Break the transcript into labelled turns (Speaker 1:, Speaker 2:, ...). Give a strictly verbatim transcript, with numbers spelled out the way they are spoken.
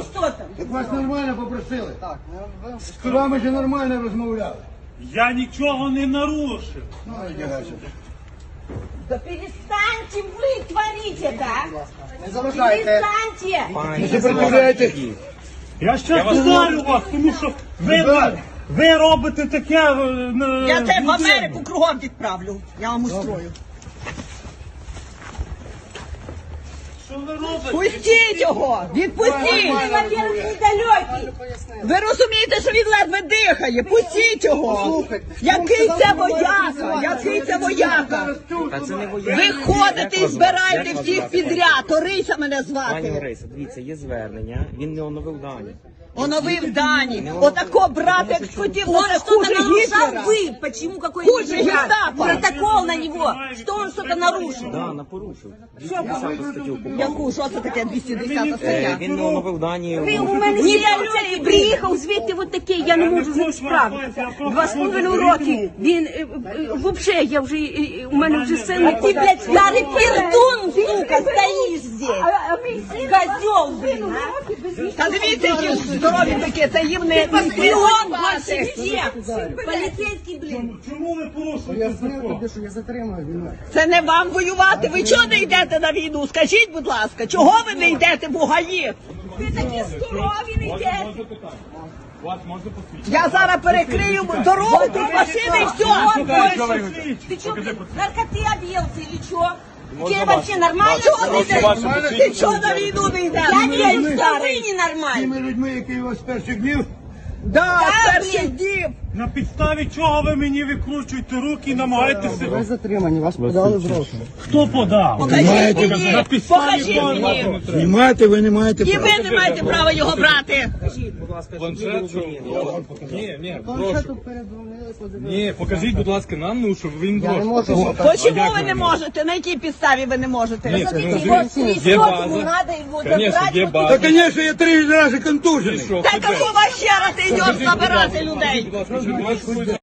Speaker 1: що там?
Speaker 2: Так вас нормально попросили.
Speaker 3: Так, ви...
Speaker 2: З вами же нормально розмовляли.
Speaker 4: Я нічого не нарушив.
Speaker 2: Ну, одягайся.
Speaker 1: Да перестаньте вы творить это,
Speaker 3: Не заважайте.
Speaker 1: перестаньте!
Speaker 2: Не сопротивляйтесь.
Speaker 4: Я ще питаю вас, тому що ви, ви робите таке... е, е,
Speaker 1: Я тебе в
Speaker 4: людину.
Speaker 1: Америку кругом відправлю, я вам устрою.
Speaker 4: Що ви робите?
Speaker 1: Пустіть його! Відпустіть! Він, во-первых, недалекий. Ви розумієте, що він ледве дихає? Пустіть його! Який це вояка? Який це вояка?
Speaker 5: Та це не воєнний.
Speaker 1: Ви ходите і збираєте всіх підряд. Орися мене
Speaker 5: Пані
Speaker 1: звати.
Speaker 5: Лариса, дивіться, є звернення, він не оновив дані.
Speaker 1: Оновив дані. Отако брат, як схотів, то це хуже Гітлера.
Speaker 6: Вы, почему какой
Speaker 1: Хуже гестапо.
Speaker 6: протокол на него, что он что-то нарушил?
Speaker 5: Да, на порушив. двісті десяту статтю попав.
Speaker 1: Яку? Що це таке двісті десята
Speaker 5: Е,
Speaker 1: стаття?
Speaker 5: Він не оновив дані.
Speaker 6: Ви у мене не приїхав звідти от такий, я не можу з ним справитися. Два з половиною роки. Він, е, е, взагалі, я вже, е, у мене вже син.
Speaker 1: А ти, блядь,
Speaker 6: старий пердун, сука, стоїш здесь. Козел, блин, а.
Speaker 1: Та дивіться, які здорові такі, це їм не
Speaker 6: Патріон больше всех. Поліцейський, блин.
Speaker 4: Чому ви порушуєте
Speaker 3: Я знаю
Speaker 4: закон?
Speaker 3: тобі, що я затримую війну.
Speaker 1: Це не вам воювати. Ви чого не йдете на війну? Скажіть, будь ласка, чого ви не йдете в Угаї?
Speaker 6: Ви такі здорові, не йдете.
Speaker 4: Вас можна посвідчити?
Speaker 1: Я зараз перекрию дорогу, тут машини і все.
Speaker 6: Ты что, наркоты объелся или что? Тебе вообще нормально?
Speaker 1: Чого не йдеш? Ти чого на війну не йдеш?
Speaker 6: Я не верю,
Speaker 1: Блін,
Speaker 6: что вы
Speaker 1: старий.
Speaker 6: ненормальны.
Speaker 2: Тими людьми, які вас з перших днів,
Speaker 1: Да,
Speaker 6: Да,
Speaker 1: перших
Speaker 6: блін.
Speaker 1: днів.
Speaker 4: На підставі чого ви мені викручуєте руки і намагаєтеся?
Speaker 3: Ви затримані, вас подали в розшук.
Speaker 4: Хто подав?
Speaker 1: Покажіть мені.
Speaker 4: На підставі
Speaker 1: Покажіть
Speaker 4: чого?
Speaker 1: мені.
Speaker 2: знімати ви не маєте
Speaker 1: І
Speaker 2: права.
Speaker 1: ви не маєте права його брати.
Speaker 5: Скажіть, будь ласка, що ви робили?
Speaker 7: Ні, ні,
Speaker 3: Планшету
Speaker 7: прошу.
Speaker 3: передзвонили, подивилися.
Speaker 7: Ні, покажіть, будь ласка, нам, ну, щоб він
Speaker 3: Я не
Speaker 7: прошу.
Speaker 3: можу.
Speaker 1: Почому ви не можете? На якій підставі ви не можете?
Speaker 7: Ні,
Speaker 6: Смотрите,
Speaker 7: ну,
Speaker 6: его
Speaker 7: є
Speaker 6: свисток,
Speaker 7: база.
Speaker 6: ему надо его
Speaker 7: Конечно,
Speaker 6: забрать.
Speaker 7: є
Speaker 6: вот
Speaker 7: база.
Speaker 2: Та, звісно, я три рази контужений.
Speaker 7: Що,
Speaker 1: Та
Speaker 7: тебе?
Speaker 1: какого хера ти йдеш забирати людей?
Speaker 7: Будь ласка, щоб вас